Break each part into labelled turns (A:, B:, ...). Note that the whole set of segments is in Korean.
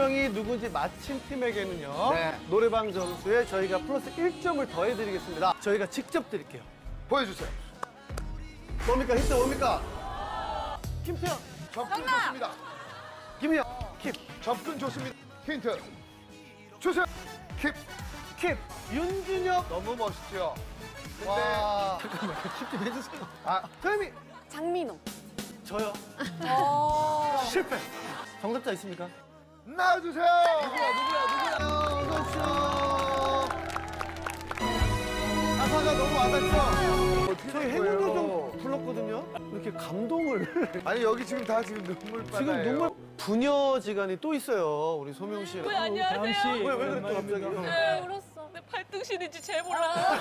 A: 요정이 누군지 맞힌 팀에게는요.
B: 네.
A: 노래방 점수에 저희가 플러스 1점을 더해드리겠습니다. 저희가 직접 드릴게요.
B: 보여주세요.
A: 뭡니까? 힌트 뭡니까? 김태현,
B: 접근 좋습니다.
A: 김희영, 킵,
B: 접근 좋습니다. 힌트 주세요. 킵.
A: 킵, 윤준혁.
B: 너무 멋있죠. 근데
A: 와, 잠깐만, 킵 좀 해주세요.
B: 아,
A: 태현이,
C: 장민호.
A: 저요. 실패. 정답자 있습니까?
B: 나와주세요.
A: 어서 오십시오. 가사가 너무 와닿죠? 저희 행운요정 불렀거든요. 이렇게 감동을.
B: 아니 여기 지금 다 지금 눈물
A: 지금
B: 바다예요.
A: 눈물 부녀지간이 또 있어요. 우리 소명 씨.
D: 네, 안녕하세요.
A: 왜 그랬죠 갑자기?
D: 네, 울었어. 내 팔등신인지 잘 몰라.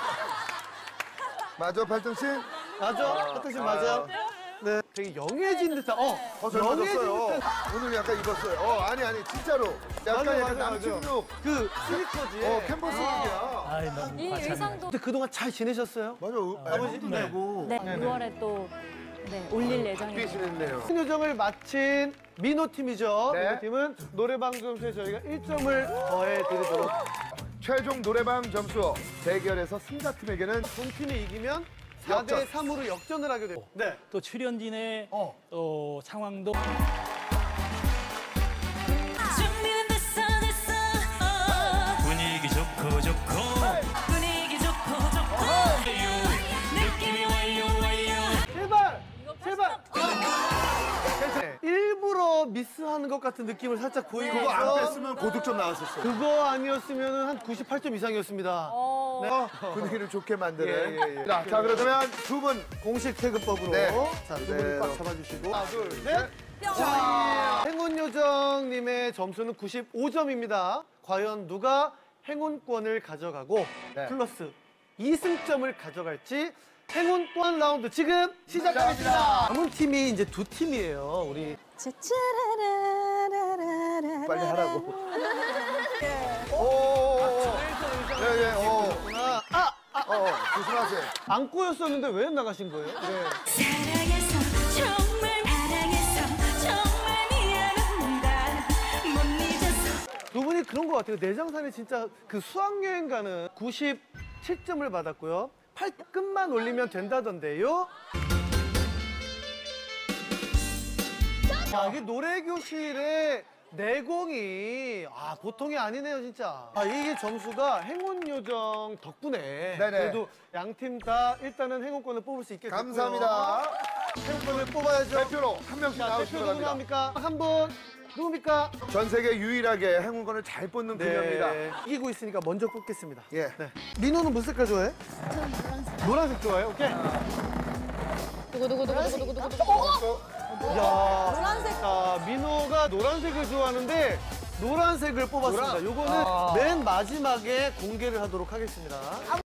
B: 맞아 팔등신?
A: 맞아? 하트 씨 맞아요? 네. 되게 영해진 듯한.
B: 잘
A: 영해진
B: 맞았어요.
A: 듯한.
B: 오늘 약간 입었어요. 아니 진짜로. 약간
A: 맞아,
B: 약간
A: 맞아,
B: 남친룩.
A: 그 스니커즈에.
B: 캔버스 룩이야.
C: 이 의상도
A: 근데 그동안 잘 지내셨어요?
B: 맞아.
A: 아버지도 내고.
C: 네, 6월에 또 올릴 예정입니다.
B: 삐시는데요.
A: 승요정을 마친 민호 팀이죠.
B: 네.
A: 민호 팀은 노래방 점수에 저희가 1점을 더해드리도록.
B: 최종 노래방 점수 대결에서 승자팀에게는
A: 본 팀이 이기면
B: 역전.
A: 4대3으로 역전을 하게 됩니다. 네.
E: 또 출연진의 상황도
D: 준비는 됐어.
F: 분위기 좋고
D: 분위기 좋고 느낌이 와요.
A: 제발! 제발! 괜찮아요. 일부러 미스하는 것 같은 느낌을 살짝 보이고
B: 그거 안
A: 있어.
B: 뺐으면 고득점 나왔었어요.
A: 그거 아니었으면 한 98점 이상이었습니다. 네.
B: 분위기를 좋게 만드는.
A: 예.
B: 자 그러면 두 분
A: 공식 태그법으로.
B: 네.
A: 자, 두
B: 네.
A: 분이 꽉 잡아주시고. 하나, 둘, 셋.
B: 셋.
A: 자, 행운요정님의 점수는 95점입니다. 과연 누가 행운권을 가져가고
B: 네.
A: 플러스 2승점을 가져갈지 행운 또한 라운드 지금 시작하겠습니다. 남은 팀이 이제 두 팀이에요. 우리
B: 빨리 하라고. 오. 네. 조심하세요.
A: 안 꼬였었는데 왜 나가신 거예요? 네.
D: 사랑해서 정말 미안합니다. 못 잊었어.
A: 두 분이 그런 것 같아요. 내장산에 진짜 그 수학여행 가는 97점을 받았고요. 팔끝만 올리면 된다던데요. 야, 이게 노래교실의 내공이 보통이 아니네요, 진짜. 이게 점수가 행운요정 덕분에
B: 네네.
A: 그래도 양 팀 다 일단은 행운권을 뽑을 수 있게 됐고요.
B: 감사합니다.
A: 행운권을 뽑아야죠.
B: 대표로 한 명씩
A: 자,
B: 나오시기
A: 대표 누구
B: 바랍니다.
A: 나옵니까? 한 분. 누굽니까?
B: 전 세계 유일하게 행운권을 잘 뽑는 그녀입니다.
A: 이기고 있으니까 먼저 뽑겠습니다.
B: 예.
A: 네. 민호는 무슨 색깔 좋아해?
C: 저는 노란색.
A: 노란색 좋아해? 오케이.
C: 두구두구두구두구두구두구.
A: 야,
C: 노란색.
A: 자, 민호가 노란색을 좋아하는데 노란색을 뽑았습니다. 요거는 맨 마지막에 공개를 하도록 하겠습니다.